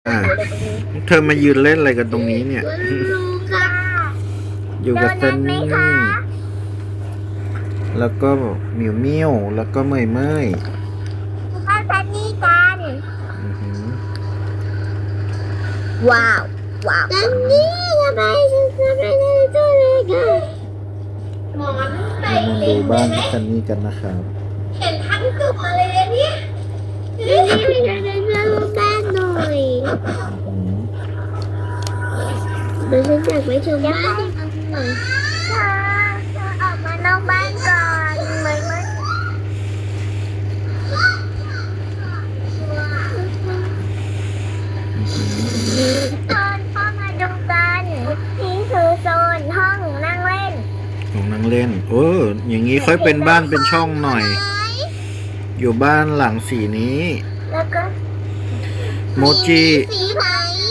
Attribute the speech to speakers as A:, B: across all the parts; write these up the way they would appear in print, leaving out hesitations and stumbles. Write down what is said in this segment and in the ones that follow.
A: อ่า
B: อะไรตรงนี้
A: เธอมายืนเล่นอะไรกันตรงนี้เนี่ย
B: ลูกค่ะ
A: อยู่กับเซนนี่แล้วก็หมิวเมี่ยวแล้วก็เมยเมย
B: ข้าวซันนี่กัน
A: อื้อหือ
B: ว้าวซันนี่ทำไมฉันทำไม่ได้ตัวเลยกันหมอนใส่
A: เรามาดูบ้านเซนนี่กันนะครับ
B: เห็นทั้งตัวเลยเนี่ยนี่ไม่ได้เล่าบ้านหน่อย
A: อื้อหือ
B: เดี๋ยวฉันอยากไปชมบ้านหน่อยเธอออกมานอกบ้านก่อนเหมือนตอนพ่อมาดูกันนี่คือโซนห้องนั่งเล่น
A: ของนั่งเล่นอย่างนี้ค่อยเป็นบ้านเป็นช่องหน่อย อยู่บ้านหลังสีนี้
B: แล้วก็
A: โมจิ
B: สีไหน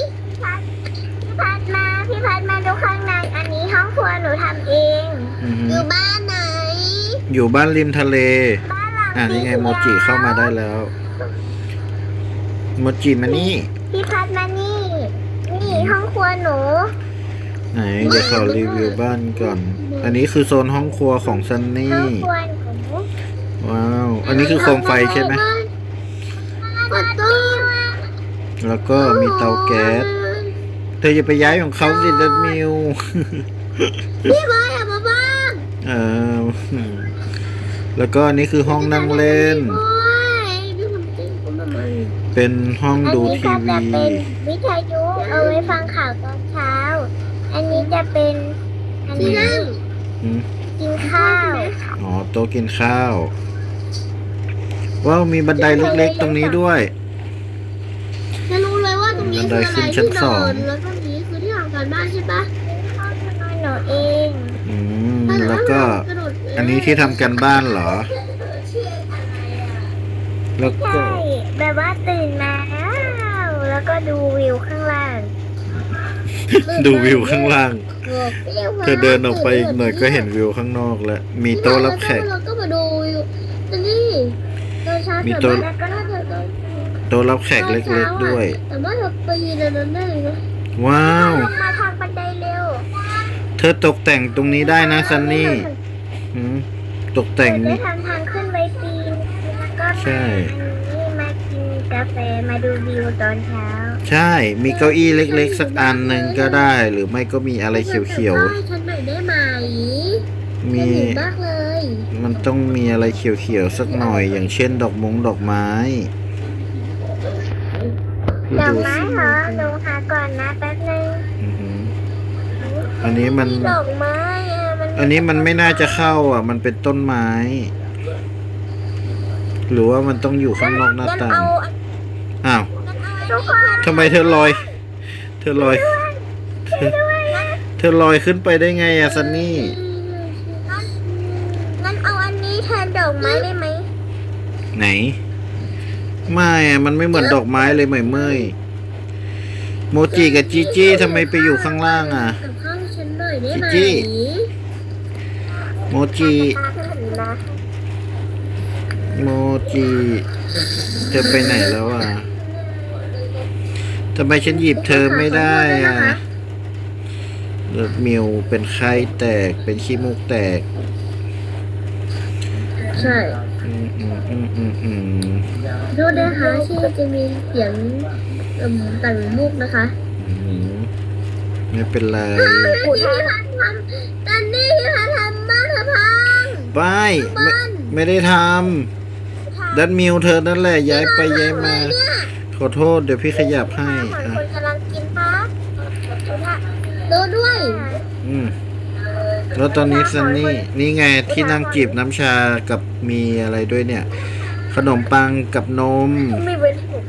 B: พี่พัดมาดูข้างในอันนี้ห้องครัวหนูทำเอง
A: อื้อหื
B: อ
A: อยู่
B: บ้านไหน
A: อยู่บ้านริมทะเล
B: บ้านหลัง
A: นี่ไงโมจิเข้ามาได้แล้ว โมจิมานี่
B: พี่พัดมานี่ นี่ห้องครัวหนู
A: ไหนเดี๋ยวขอรีวิวบ้านก่อน อันนี้คือโซนห้องครัวของซัน
B: ห้
A: นี่
B: องครัวหนู
A: ว้าว อันนี้คือโคมไฟใช่ไหม
B: ประตู
A: แล้วก็มีเตาแก๊ส เธออย่าไปย้ายของเขาสิดัดมิว
B: พี่บอยมาบ้าง
A: เออแล้วก็อันนี้คือห้องนั่งเล่น
B: พี่คนจริงผมมา
A: เป็นห้องดู
B: อันนี้
A: ที
B: ก็จะ
A: วี
B: เป็นวิทยุเอาไว้ฟังข่าวตอนเช้า อันนี้จะเป็นอันนี้
A: อืม
B: กินข้าว
A: อ๋อโต๊ะกินข้าว ว้าวมีบันไดเล็กๆตรงนี้ด้วย
B: จะรู้เลยว่าตรงนี้
A: บันได
B: คืออะไร
A: ขึ้นชั้น
B: ที่น
A: สอ
B: อง นแล้วก็นี้คือที่ทำการบ้านใช่ปะห้องนอนหนูเอง
A: แล้วก็ อันนี้ที่ทำกันบ้านเหรอ แล้วก็
B: ใช่แบบว่าตื่นมาแล้วก็ดูวิวข้างล่าง
A: ดูวิวข้างล่าง เธอเดินออกไปอีกหน่อยก็เห็นวิวข้างนอกแล้ว มีโต๊ะรับแขก
B: เราก็มาดูวิวนี่ตอนเช้า
A: มี
B: ตื่น
A: โต๊ะ
B: มาแล้วก็น่าจะตอน
A: โต๊ะรับแขกเล็กๆด้วย
B: แต่ว่าเราไปยืนในนั้นได้เลยนะ
A: ว้าว
B: ลงมาทางบันไดเร็ว
A: เธอตกแต่งตรงนี้ได้นะซันนี่หืมตกแต่ง
B: ได้ทำทางขึ้นไว้ปีนแล้วก็
A: ใช่
B: มากินกาแฟมาดูวิวตอนเช้า
A: ใช่ มีเก้าอี้เล็กๆ สักอันหนึ่งก็ได้ หรือไม่ก็มีอะไรเขียว
B: ให้ฉันหน่อยได้ไหม
A: ๆ มี
B: ดีมากเลย
A: มันต้องมีอะไรเขียวๆ สักหน่อย อย่างเช่นดอกไม้
B: ดอก
A: ดู
B: ไม้
A: สิ
B: เหรอหนูหาก่อนนะแป๊บนึง
A: อือหืออันนี้มัน
B: ดอกไม้มัน
A: อันนี้มันไม่น่าจะเข้าอ่ะ มันเป็นต้นไม้ หรือว่ามันต้องอยู่ข้างนอกหน้าต่าง อ้าว
B: ทุกคน
A: ทำไมเธอลอย เธอลอย เธอลอยขึ้นไปได้ไงอะซันนี่
B: งั้นเอาอันนี้แทนดอกไม้ได้ไหม
A: ไหน ไม่อะมันไม่เหมือนดอกไม้เลยเหมยเมยโมจิกับจีจี้ทำไมไปอยู่ข้างล่างอ่ะ
B: กับข้าวให้ฉันหน่อยได้ไหม
A: จิ๊ โมจิ โมจิเธอไปไหนแล้วอ่ะทำไมฉันหยิบเธอไม่ได้อ่ะเลือดมิวเป็นไข้แตก เป็นขี้มูกแตก
B: ใช่
A: อืมอืมอืมอืมอืม
B: ดูนะคะที่จะมีเสียงต่างมุกนะคะ
A: อืมไม่เป็นไร
B: พี่พันทำตอนนี้พี่พันทำบ้านเธอพัง
A: ไม่ได้ทำดันมิวเธอนั่นแหละย้ายไปย้ายมา ขอโทษเดี๋ยวพี่ขยับให้
B: เหมือน
A: อ่ะ
B: คนกำลังกินพักดูด้วย
A: อืมแล้วตอนนี้ซันนี่นี่ไงที่นั่งจีบน้ำชากับมีอะไรด้วยเนี่ย ขนมปังกับนม
B: ไม่เว้นผม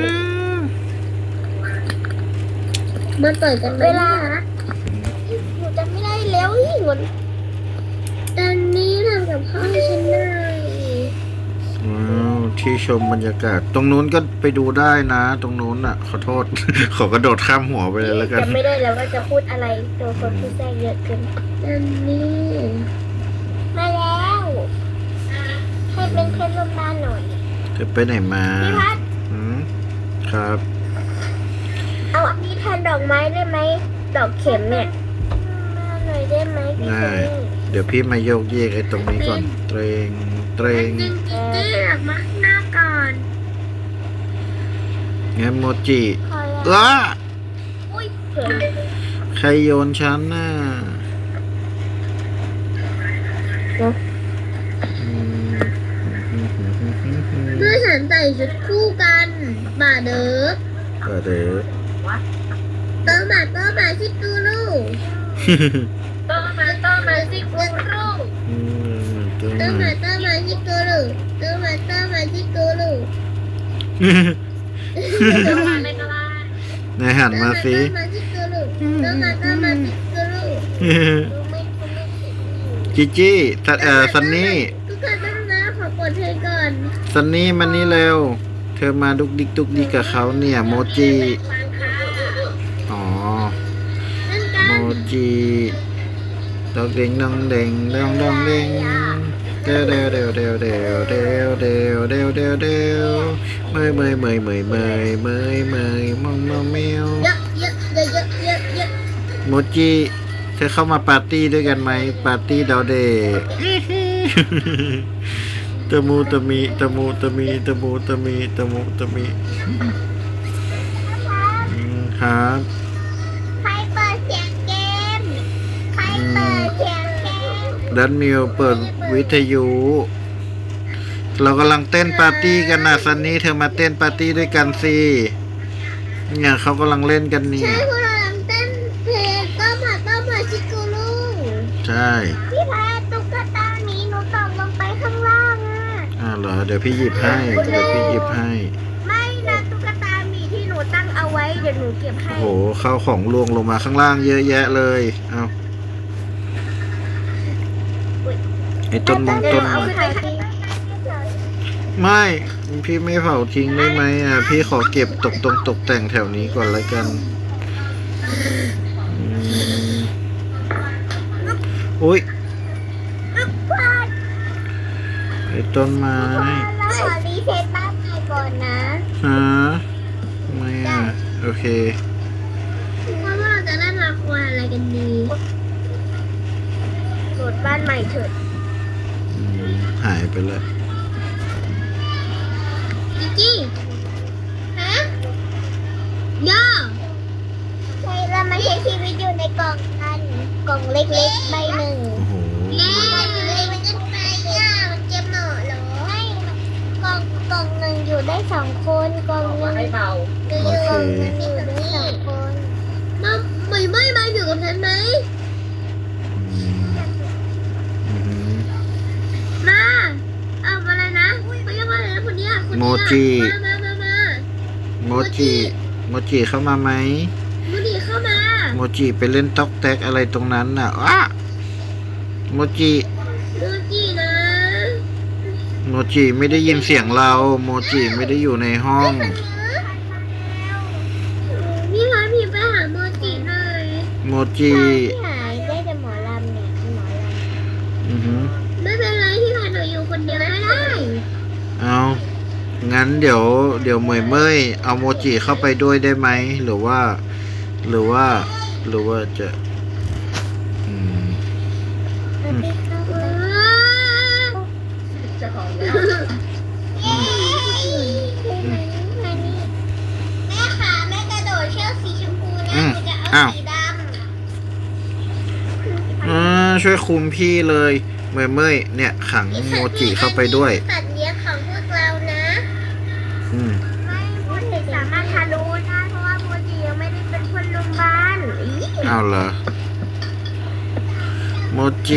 B: มันเปิดกันเวลาหนูจะไม่ได้แล้วอีกวันตอนนี้ทำกับข้าวให้ฉันได้
A: ว้าวที่ชมบรรยากาศ ตรงนู้นก็ไปดูได้นะ ตรงนู้นอ่ะ ขอโทษ ขอกระโดดข้ามหัวไปเลยแล้วกัน
B: จะไม่ได้แล้วว่าจะพูดอะไรตัวคนพูดแทรกเยอะเกินตอนนี้มาแล้วให้เป็นเพื่อนร่วมบ้านหน่อย
A: เธอไปไหนมา
B: พี่พัด
A: อืมครับ
B: ดอกไม้ได้ไหมดอกเข็มเนี่ยมาหน่อยได้ไหมพี่
A: ได้ เดี๋ยวพี่มาโยกเยกไอ้ตรงนี้ก่อน เตรงเตรง
B: จริงๆออกมาข้างหน้าก่อน
A: งั้นโมจิ
B: คอย
A: เออ
B: อุ้ยเข็ม
A: ใครโยนฉันน่ะอืม
B: เพื่อฉันใส่ชุดคู่กันบ่าเด้อ
A: ก็เด้อ
B: เติมมาชิกูรูเติมมาชิกูรู
A: อืมตัว
B: เติม
A: ไหน
B: มาชิกูรูเติมมาชิกูรูเติมมาไม่ก็ได้
A: นายหันมาสิ
B: เติมมาชิกูรูเติมมาชิกูรูดูไม่
A: จิจี้ซันนี่
B: ทุกคนต้องนะขอกดเพลงก่อน
A: ซันนี่มานี่เร็ว เธอมาดุกดิกดุกดิกกับเขาเนี่ยโมจิอ๋อ
B: นั่นกั
A: โม
B: น
A: จิดอกเด้งดองเด้งดองดองเด้งเดวเดวเดวเดวเดวเดวเดวเดวเดวเดวเมยเมยเมยเมยเมยเมยเมยมองมองแมว
B: เยอะ
A: โมจิเธอเข้ามาปาร์ตี้ด้วยกันไหมปาร์ตี้ดาวเดย์ตะมูตะมีตะมูตะมีตะมูตะมีตะมูตะมีครับ
B: ใครเปิดเสียงเกมใครเปิดเสียงเกม
A: ดันมิวเปิดวิทยุ เรากำลังเต้นปาร์ตี้กันนะซันนี่เธอมาเต้นปาร์ตี้ด้วยกันสิเนี่ยเขากำลังเล่นกันนี่
B: ใช่พวกเรากำลังเต้นเพลงต้มมาชิกูรู
A: ใช่
B: พี่แพทตุ๊กตานี้หนูตกลงไปข้างล่างอ่ะ
A: เหรอเดี๋ยวพี่หยิบให้เดี๋ยวพี่หยิบให้
B: ไม่นะตุ๊กตามีที่หนูตั้งเอาไว้เดี๋ยวหนูเก็บให้
A: โอ้โหข้าวของลวงลงมาข้างล่างเยอะแยะเลยเอาไอ้ต้นมงต้น
B: เอา
A: ไม้
B: ไปที่
A: ไม่พี่ไม่เผาทิ้งได้ไหมอ่ะพี่ขอเก็บตกแต่งแถวนี้ก่อนแล้วกันอืมอุ้ยไอ้ต้นไม้
B: เราขอรีเซ็ตบ้านใหม่ก่อนนะ
A: ฮะทำไมอ่ะโอเค
B: ว่าเราจะเล่นละครอะไรกันดีโหลดบ้านใหม่เถิด
A: อืมหายไปเลย
B: จี้ฮะย่อใช่เรามาใช้ชีวิตอยู่ในกล่องกันกล่องเล็กๆใบหนึ่ง
A: โอ้โห
B: เล่เลยมันจะไปอ่ะมันจะเหมาะเหรอให้กล่องหนึ่งอยู่ได้สองคนกล่องหนึ่งกล่องหนึ่งอยู่ได้สองคนมาไม่มาอยู่กับฉันไหม
A: อืมอืม
B: มาเอาอะไรนะเขาเรียกว่าอะไรนะคนเนี้ยคนเนี้ย
A: โมจิ
B: มา
A: โมจิโมจิเข้ามาไหม
B: โมจิเข้ามา
A: โมจิไปเล่นต๊อกแตกอะไรตรงนั้นน่ะอ้าโมจิ
B: โมจินะ
A: โมจิไม่ได้ยินเสียงเรา โมจิไม่ได้อยู่ในห้อง
B: พี่พาพี่ไปหาโมจิหน่อย
A: โมจิ
B: พี่หายได้แต่หมอลำเนี่ยหมอลำ
A: อือหือ
B: ไม่เป็นไรพี่พาหนูอยู่คนเดียวไม่ได้
A: เอางั้นเดี๋ยวเหมยเมยเอาโมจิเข้าไปด้วยได้ไหมหรือว่าจะอืม
B: จะของแล้วแม่ขาแม่กระโดดเชือกสีชมพูนะหนูจะเอาสีดำ
A: ช่วยคุมพี่เลยเหมยเมยเนี่ยขังโมจิเข้าไปด้วย
B: สัตว์เลี้ยงของพวกเรานะ
A: อืม
B: ไม่โมจิสามารถทะลุได้เพราะว่าโมจิยังไม่ได้เป็นคนโรงพยาบาล
A: เอาเหรอโมจิ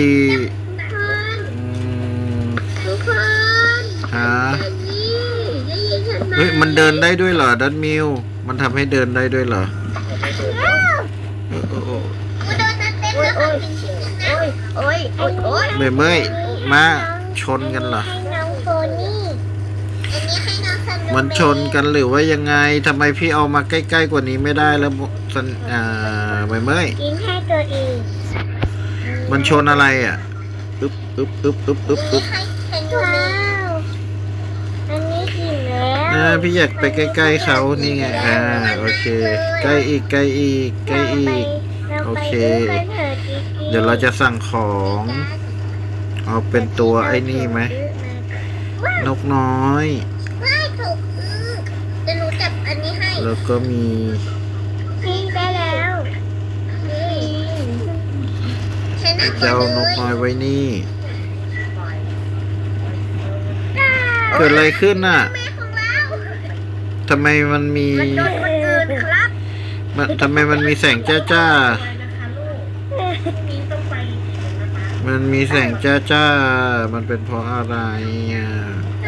B: ทุกคน
A: ฮะ
B: ได้ยินฉันไหม
A: เฮ้ยมันเดินได้ด้วยเหรอดันมิวมันทำให้เดินได้ด้วยเหรอเออ
B: กูโดนเต็มแล้วค่ะจริงๆนะโอ้ย
A: เหมยเมยมาชนกันเหรอ
B: ให้น้องโฟนี่อันนี้ให้น้องสนุก
A: มันชนกันหรือว่ายังไงทำไมพี่เอามาใกล้ๆกว่านี้ไม่ได้แล้วสันเหมยเมย
B: กินให้ตัวเอง
A: มันชนอะไรอ่ะอึ๊บอึ๊บอึ๊บอึ๊บอึ๊บอึ๊บ
B: ให้สนุกแล้วอันนี้กินแล้ว
A: พี่อยากไปใกล้ๆเขานี่ไงโอเคใกล้อีกใกล้อีกใกล้อีก โอเค เดี๋ยวเราจะสั่งของเอาเป็นตัวไอ้นี่ไหมนกน้อย
B: ไม่ถูกจะหนูจับอันนี้ให้
A: แล้วก็มี
B: พี่ได้แล้วนี่ฉันนั่งก่
A: เจ้า
B: อน
A: น
B: เล
A: ก
B: ย
A: น้อยไว้นี่ เกิดอะไรขึ้นน่ะ
B: แม่ของเรา
A: ทำไมมันมี
B: มันโดนคนอื่นครับ
A: ทำไมมันมีแสงจ้าจ้ามันมีแสงจ้าจ้ามันเป็นเพราะอะไรอ่ะ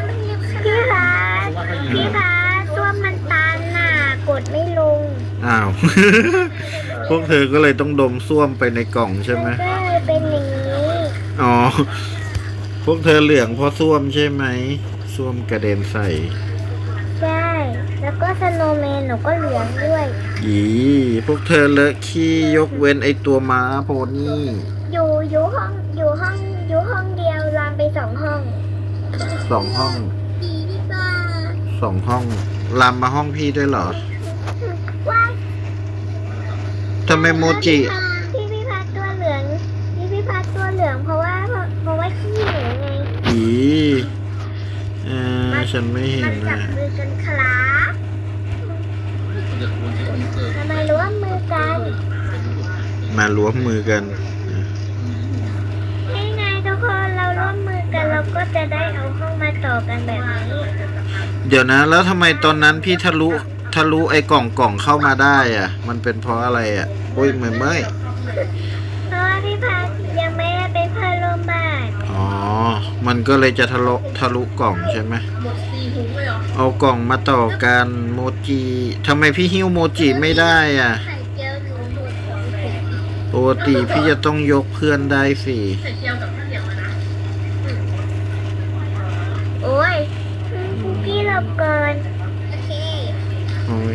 B: พี่พาตัวมันตันน่ะกดไม่ลง
A: อ้าว พวกเธอก็เลยต้องดมส้วมไปในกล่องใช่ไหม
B: ก็เลยเป็นอย่างนี้
A: อ๋อ พวกเธอเหลืองเพราะส้วมใช่ไหมส้วมกระเด็นใส่
B: ใช่ แล้วก็สโนว์แมนหนูก็เหลืองด้วย
A: อีพวกเธอเลอะขี้ยกเว้นไอตัวม้าโพนี่
B: อยู่ห้องเดียวลามไป2 ห้อง
A: 2 ห้อง
B: ดีดีกว่า
A: 2 ห้องลามมาห้องพี่ด้วยเหรอ
B: ว้าย
A: ทำไมโมจิ
B: พี่พัดตัวเหลืองพี่พัดตัวเหลืองเพราะว่าขี้หนูไง
A: อีฉันไม่เห็
B: มัน นจั
A: นะ
B: บมือกันครับทำไมร่วมมือกัน
A: มาล้วมมือกัน
B: นี่ไงทุกคนเราร่วมมือกันเราก็จะได้เอาห้องมาต่อกันแบบนี้
A: เดี๋ยวนะ แล้วทำไมตอนนั้นพี่ทะลุไอ้กล่องเข้ามาได้อ่ะ มันเป็นเพราะอะไรอ่ะโอ้ยเมื่อย
B: เพราะว่าพี่พัดยังไม่ได้เป็นเพื่อนร่วมบ้าน
A: อ๋อ มันก็เลยจะทะลุกล่องใช่ไหมเอากล่องมาต่อกันโมจิทำไมพี่หิ้วโมจิไม่ได้อ่ะ
B: ไข่เจียวหนูหมดของ
A: ปกติพี่จะต้องยกเพื่อนได้สิ
B: โอ้ยพี่หลบก่อนโอเค
A: โอ้ย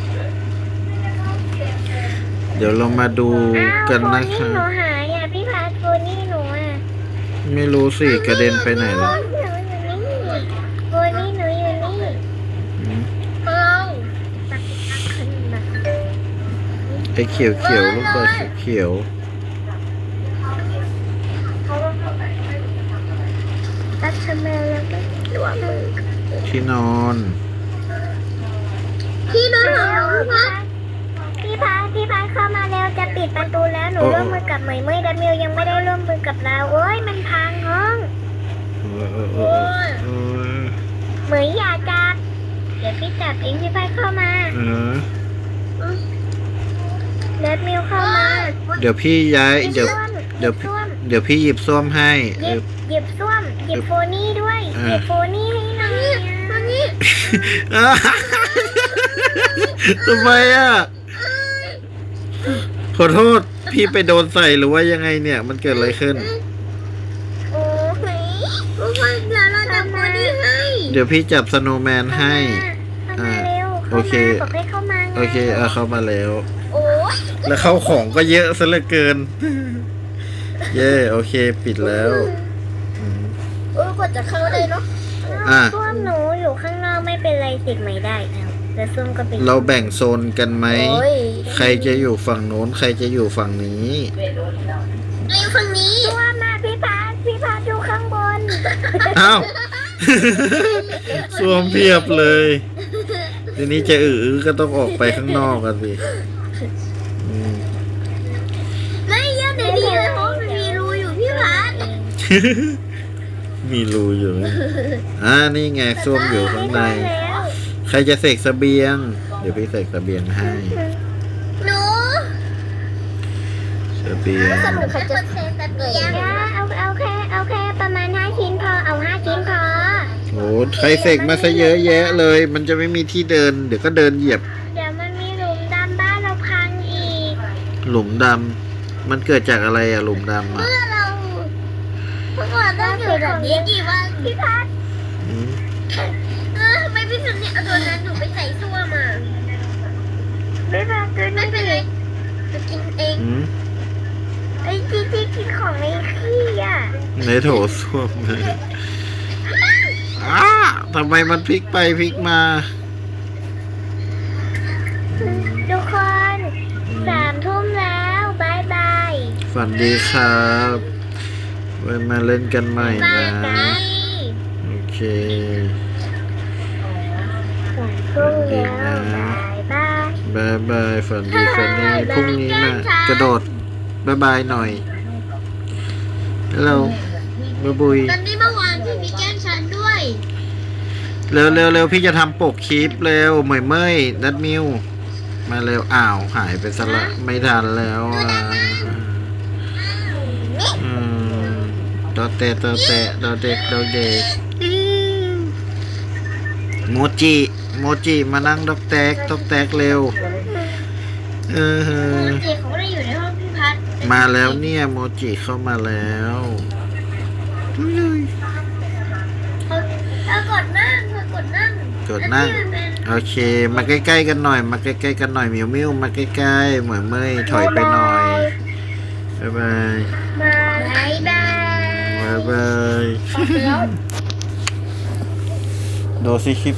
A: เดี๋ยวเรามาดูกันนะ
B: โฟ
A: คะ
B: หนูหายอ่ะพี่พัดโฟนี่หนูอ่ะ
A: ไม่รู้สิกระเด็นไปไหน
B: โฟ
A: แล้ว
B: หนูอยู่นี่โฟนี่หนูอยู่นี่
A: อืม
B: เราตักขึ้นมา
A: ไอ้เขียวลูกบอลเขียว
B: ตักทำไมแล้วก็รวมมือ
A: ที่นอน
B: พี่นอนของพี่พัดเข้ามาแล้วจะปิดประตูแล้วหนูร่วมมือกับเหมยเมยดัมมิวยังไม่ได้ร่วมมือกับเราโอ้ยมันพังห้อง เหมยอย่าจับเดี๋ยวพี่จับเองพี่พัดเข้ามาดัมมิวเข้ามา
A: เดี๋ยวพี่ย้ายเดี๋ยว
B: หยิบส้วม
A: เดี๋ยวพี่หยิบส้วมให้
B: หยิบส้วมหยิบโฟนี่ด้วยหยิบโฟนี่ให้หน่อยโฟนี่
A: ทำไมอ่ะ ขอโทษพี่ไปโดนใส่หรือว่ายังไงเนี่ย มันเกิดอะไรขึ้น
B: โอ้ยทุกคนเดี๋ยวเราจับโฟนี่ให้
A: เดี๋ยวพี่จับสโนว์แมนให้
B: เข้ามาเร็ว
A: โอเค
B: บอกให้เข้ามาไง
A: โอเคเข้ามาแล้ว
B: โอ้ย
A: แล้วเข้าของก็เยอะซะเหลือเกิน เย่โอเคปิดแล้วอืม
B: กดจะเข้าได้เนาะ
A: อ่ะ
B: ส้วมหนูอยู่ข้างนอกไม่เป็นไรติดไม่ได้แล้วแต่ส้วมก็เป็น
A: เราแบ่งโซนกันไหม
B: โอ้ย
A: ใครจะอยู่ฝั่งโน้น ใครจะอยู่ฝั่งนี้
B: เราอยู่ฝั่งนี้ส้วมมาพี่พาอยู่ข้างบน
A: อ้าว สวมเพียบเลย ทีนี้จะก็ต้องออกไปข้างนอกกันสิอืม
B: ไม่ยังในนี้เลยเพราะมันมีรูอยู่พี่พัด
A: มีรูอยู่ไหมนี่ไงส้วมอยู่ข้างใน
B: แล้ว
A: ใครจะเสกเสบียง เดี๋ยวพี่เสกเสบียงให้
B: หนู
A: เสบียง
B: สรุปเขาจะเซตเบียงเอาแค่ประมาณ5 ชิ้นพอเอา5 ชิ้นพอ
A: โอ้ใครเสกมาซะเยอะแยะเลย มันจะไม่มีที่เดิน เดี๋ยวก็เดินเหยียบ
B: เดี๋ยวมันมีหลุมดำบ้านเราพังอีก
A: หลุมดำ มันเกิดจากอะไรอะหลุมดำอะ
B: เมื่อเราต้องอยู่แบบนี้กี่วันพี่พัด
A: อืม
B: ทำไมพี่พัดเนี่ยเอาตัวนั้นหนูไปใส่ส้วมอ่ะไม่เป็นไรจะกินเอง
A: อืม
B: ไอ้ที่กินของในขี้อ่ะ
A: ในโถส้วมเลยอ้าทำไมมันพลิกไปพลิกมา
B: ทุกคน3 ทุ่มแล้วบายบาย
A: ฝันดีครับไว้มาเล่นกันใหม่
B: บา
A: นะ
B: ยบาย
A: โอเค
B: 3 ทุ่มแล้วบายบาย
A: บายบายฝันดีฝันดีพรุ่งนี้มากระโดดบายบายหน่อยฮัลโหลบ๊ายบุย
B: ตอนนี้เมื่อวานพี่มีแกล้งฉันด้วย
A: เร็วเร็วเร็วพี่จะทำปกคลิปเร็วเหมยเมยดัดมิวมาเร็วอ้าวหายไปซะละไม่ทันแล้วอืมดอเตะดอเตะดอเด็กดอเด็กโมจิโมจิมานั่งดอกแตกดอกแตกเร็วเออ
B: เด็กเขาไม่ได้อยู่ในห้องพี่พัด
A: มาแล้วเนี่ยโมจิเข้ามาแล้วดูเลย
B: เธอกดนั่ง
A: กดนั่ง
B: แล้วพี่เป็น
A: โอเค มาใกล้ๆกันหน่อย มาใกล้ๆกันหน่อยมิวมิวมาใกล้ๆเหมือนเมยถอยไปหน่อยบ๊ายบาย
B: บายบาย
A: บ๊ายบายดูสิคลิป